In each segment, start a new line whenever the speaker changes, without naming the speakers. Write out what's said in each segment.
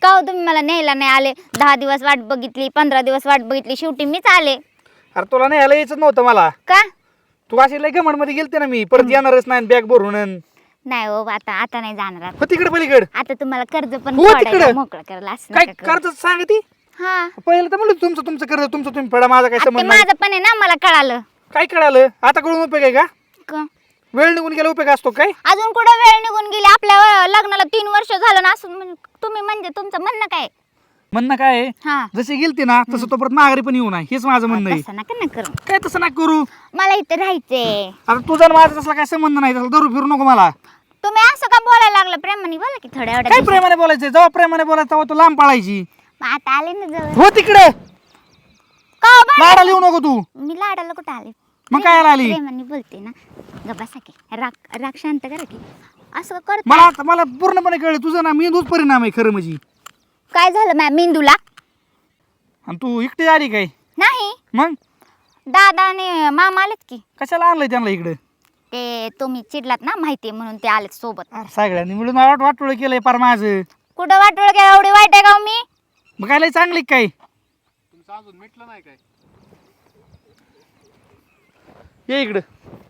का हो तुम्ही मला न्यायला नाही आले? 10 दिवस वाट बघितली, 15 दिवस वाट बघितली, शेवटी मीच आले.
अरे तुला नाही यायला यायचं नव्हतं मला.
का
तू अशी लय घमंड मध्ये गेलते ना, मी परत येणारच नाही बॅग भरून.
नाही हो, आता नाही जाणार आता.
हो तिकडे पलीकडे.
आता तुम्हाला कर्ज पण
हो
फेडायला
तिकडे.
मोकळं करायला असं
काय
नका करू.
कर्ज सांग ती.
हा
पहिलं तर म्हणलं तुमचं कर्ज तुमचं तुम्ही फेडा, माझा काय
आता ते
संबंध नाही.
माझं पण आहे ना, मला कळालं.
काय कळालं? आता कळून उपयोग आहे का?
क-
वेळ निघून गेला उपयोग असतो काय?
अजून कुठं वेळ निघून गेली? आपल्या लग्नाला 3 वर्ष झालं ना. असं तुम्ही म्हणजे तुमचं म्हणणं काय?
म्हणणं काय आहे,
हा
जशी गेलती ना तसं तो परत माघारी पण येऊ नये, हेच माझं म्हणणं आहे.
तसं नका ना करू.
काय तसं ना करू.
मला इथे राहायचंय.
आता तुझा आणि माझा तसला काय संबंध नाही, तसला दारू फिरू नको मला.
तुम्ही असं का बोलायला लागलं? प्रेमाने बोला की थोड्या
काय
वेळात.
प्रेमाने बोलायचं? जेव्हा प्रेमाने बोलायचं तेव्हा तू लांब पळायची.
आता आले ना जवळ.
हो तिकडे.
का हो बा-
लाडाला येऊ नको तू.
मी लाडाला कुठं आले?
मग काय आली?
प्रेमाने बोलते ना. गप्पा की राग शांत करा की. असं करत
मला पूर्णपणे कळलं तुझं ना मेंदूच परिणाम आहे खरं म्हणजे.
काय झालं मॅम मेंदूला?
आणि तू एकटी आली काय?
नाही,
मग
दादा आणि मामा आलेत की.
कशाला आणलंय त्यांना इकडे?
ते तुम्ही चिडलात ना, माहितीये म्हणून ते आलेत सोबत.
अरे सगळ्यांनी मिळून वाटोळ केलंय पार माझं.
कुठं वाटोळ काय एवढी वाईट आहे का हो मी?
मग काय लय चांगली काय?
तुमचं अजून मिटलं नाही काय?
ये इकडं.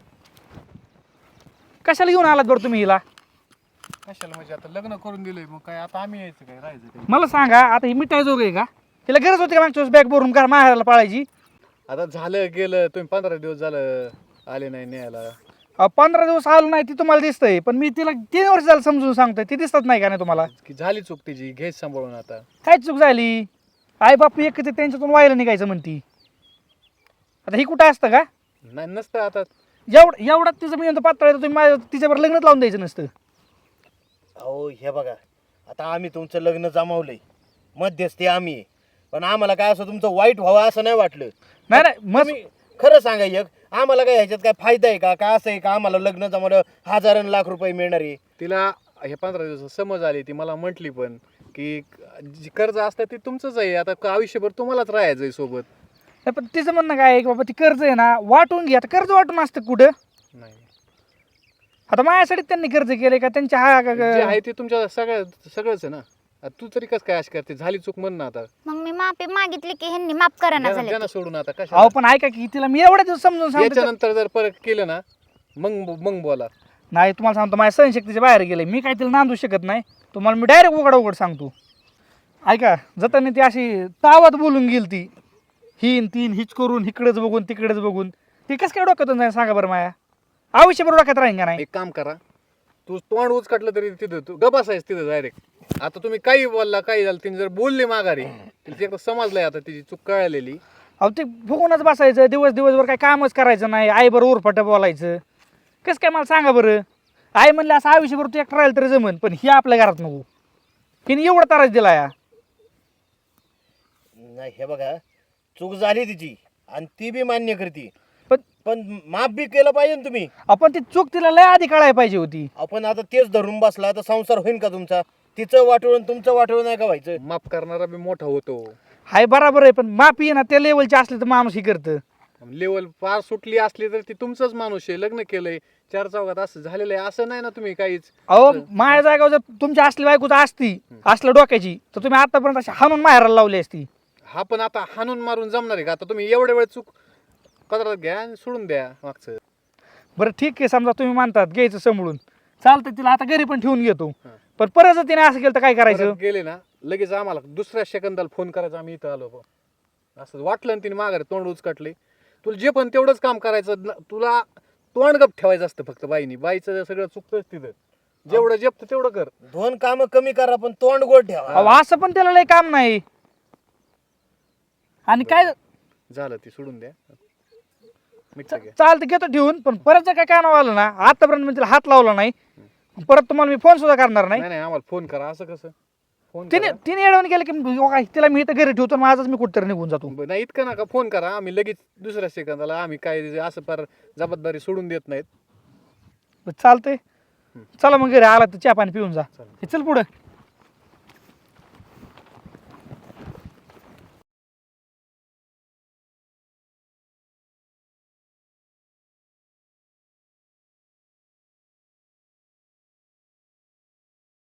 कशाला घेऊन आलात बरं तुम्ही हिला?
कशाला म्हणजे आता लग्न करून दिलंय, मग काय आता आम्ही यायचं काय, राहायचं काय?
मला सांगा, आता ही मिठाई जोग आहे का? तिला गरज होती का मागच्या बॅग भरून का माहेराला पाळायची?
आता झालं गेलं, तुम्ही 15 दिवस झालं आले नाही न्यायला.
15 दिवस आलो नाही ती तुम्हाला दिसतंय, पण मी तिला 3 वर्ष झालं समजून सांगतोय, ती दिसत नाही का नाही तुम्हाला?
की झाली चूक तिची, घ्यायच सांभाळून आता.
काय चूक झाली? आई बापू एक त्यांच्यातून व्हायला निघायचं म्हणती. आता ही कुठं असतं का?
नाही नसतं आता.
एवढा तिचं मी म्हणतो पातळ आहे, तर तुम्ही माझ्या तिच्यावर लग्नच लावून द्यायचं नसतं.
अहो हे बघा, आता आम्ही तुमचं लग्न जमावलंय, मध्यस्थी आम्ही आहे. पण आम्हाला काय असं तुमचं वाईट व्हावं असं नाही वाटलं.
नाही नाही मग
तुम्ही खरं सांगा, एक आम्हाला काय ह्याच्यात काय फायदा आहे का? काय असं आहे का आम्हाला लग्न जमवलं हजारां लाख रुपये मिळणार आहे?
तिला हे 15 दिवस समज आली, ती मला म्हटली पण की जी कर्ज असतं ते तुमचंच आहे, आता आयुष्यभर तुम्हालाच राहायचं आहे सोबत.
नाही, पण तिचं म्हणणं काय आहे की बाबा ती कर्ज आहे ना वाटून घ्या. आता कर्ज वाटून असतं कुठं?
नाही,
आता माझ्यासाठी त्यांनी कर्ज केलंय का त्यांच्या
जे आहे ते तुमच्या सगळंच आहे ना. आता तू तरी कसं काय अशी करते? झाली चूक म्हण ना आता.
मग मी माफी मागितली की ह्यांनी माफ करा ना झाले.
द्या सोडून आता
अहो
कशा.
पण ऐका की तिला मी एवढ्या दिवस समजून सांगतो.
याच्यानंतर जर परत केलं ना, मग बोला.
नाही तुम्हाला सांगतो, माझ्या सहनशक्तीच्या बाहेर गेले, मी काय तिला नांदू शकत नाही. तुम्हाला मी डायरेक्ट उघड सांगतो. ऐका, जाताना ती अशी तावात बोलून गेली ती, हिन तीन हिच करून इकडेच बघून तिकडेच बघून. ती कसं काय डोक्यातून जाईल सांगा बरं? माया आयुष्यभर डोक्यात राहीन का नाही?
एक काम करा, तू तोंड उचकटलं तरी तिथं तू गबासायच तिथं डायरेक्ट. आता तुम्ही काही बोलला, काही झालं, तिने जर बोलली माघारी, तिला एकदा समजलंय आता तिची चूक कळलेली.
अहो ते बघूनच बसायचं दिवसभर काय कामच करायचं नाही, आई बरं उरफाटं बोलायचं. कसं काय मला सांगा बरं? आई म्हणलं असं आयुष्यभर तू एकटं राहिलं तरी जमन, पण ही आपल्या घरात नको. हिने एवढा त्रास दिला या.
नाही हे बघा, चूक झाली तिची आणि ती बी मान्य करते,
पण
पण माफ बी केलं पाहिजे ना तुम्ही.
आपण ती चूक तिला लय आधी कळायला पाहिजे होती.
आपण आता तेच धरून बसला तर संसार होईल का तुमचा? तिचं वाटवून तुमचं वाटवून नाही का व्हायचं?
माफ करणारा बी मोठा होतो.
हाय बराबर आहे, पण माफी आहे ना त्या लेवलची असली तर माणूस ही करतं.
लेवल पार सुटली असली तर ती तुमचंच माणूस आहे, लग्न केलंय, 4 चौघात असं झालेलं आहे असं नाही ना तुम्ही काहीच.
अहो माझ्या जागावर जर तुमची असली बायकोच असती असल्या डोक्याची, तर तुम्ही आतापर्यंत अशी हाणून माहेराला लावली असती.
हा पण आता हाणून मारून जमणार आहे का? आता तुम्ही एवढ्या वेळ चूक कदरात घ्या आणि सोडून द्या मागचं.
बरं ठीक आहे, समजा तुम्ही मानतात घ्यायचं समोरून, चालतं. तिला आता घरी पण ठेवून घेतो,
हा.
पण परत जर तिने असं केलं तर काय करायचं?
परत गेले ना लगेच आम्हाला दुसऱ्या सेकंदाला फोन करायचा, आम्ही इथं आलो बा. असं वाटलं ना तिने माघारी तोंड उचकटले, तुला जे पण तेवढंच काम करायचं, तुला तोंड गप ठेवायचं असतं फक्त. बाईचं सगळं चुकतंच तिथं, जेवढं जपतं तेवढं कर.
2 कामं कमी करा पण तोंड गोड ठेवा.
अहो असं पण त्याला लय काम नाही. आणि काय
झालं ती सोडून द्या, मिटलं घ्या.
चालतं घेतो ठेवून, पण परत जर काय कानावर आलं ना, आतापर्यंत मी तिला हात लावला नाही, परत तुम्हाला मी फोन सुद्धा करणार नाही.
नाही आम्हाला फोन करा. असं कसं फोन
तिने तिने एडवून गेलं की तिला मी इथं घरी ठेवतो, माझाच मी कुठतरी निघून जातो.
नाही इतकं नका फोन करा, आम्ही लगेच दुसऱ्या सेकंदाला. आम्ही काय असं फार जबाबदारी सोडून देत नाहीत.
चालतंय, चला मग घरी आला तर चहा पाणी पिऊन जा.
चालेल.
हे चल पुढं.